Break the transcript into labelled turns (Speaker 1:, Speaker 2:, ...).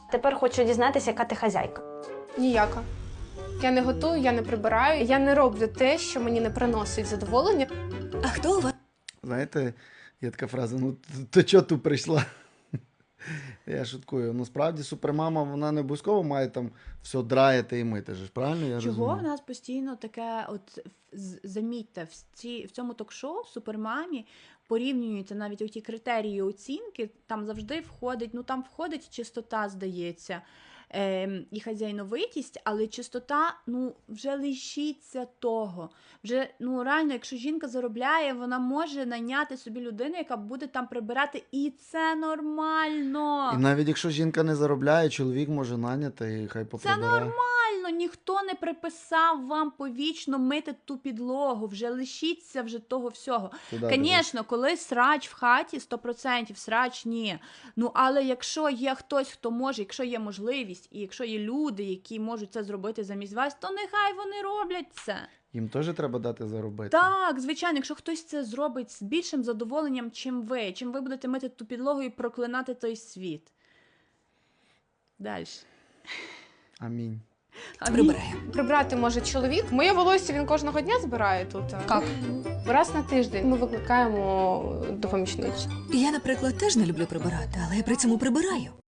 Speaker 1: Тепер хочу дізнатися, яка ти хазяйка.
Speaker 2: Ніяка. Я не готую, я не прибираю, я не роблю те, що мені не приносить задоволення.
Speaker 3: А хто у вас?
Speaker 4: Знаєте, є така фраза, ну то чого ти прийшла? Я шуткую. Ну, справді, супермама, вона не обов'язково має там все драїти і мити, ж, правильно я
Speaker 3: Чого в
Speaker 4: розумію?
Speaker 3: нас постійно таке, от замітьте, в цьому ток-шоу в Супермамі порівнюються навіть оті критерії оцінки, там завжди входить, ну там входить чистота, здається, і хазяйновитість, але чистота, ну, вже лишіться того. Вже, ну, реально, якщо жінка заробляє, вона може найняти собі людину, яка буде там прибирати, і це нормально.
Speaker 4: І навіть якщо жінка не заробляє, чоловік може наняти і хай
Speaker 3: Це
Speaker 4: поприбирає.
Speaker 3: нормально, ніхто не приписав вам повічно мити ту підлогу, вже лишіться вже того всього.
Speaker 4: Туди
Speaker 3: Звісно, коли срач в хаті, 100% срач ні. Ну, але якщо є хтось, хто може, якщо є можливість, і якщо є люди, які можуть це зробити замість вас, то нехай вони роблять це.
Speaker 4: Їм теж треба дати заробити.
Speaker 3: Так, звичайно, якщо хтось це зробить з більшим задоволенням, чим ви будете мити ту підлогу і проклинати той світ. Далі.
Speaker 4: Амінь.
Speaker 3: Прибирає.
Speaker 2: Прибрати може чоловік. Моє волосся він кожного дня збирає тут.
Speaker 3: Як?
Speaker 2: Раз на тиждень ми викликаємо до помічниці.
Speaker 5: Я, наприклад, теж не люблю прибирати, але я при цьому прибираю.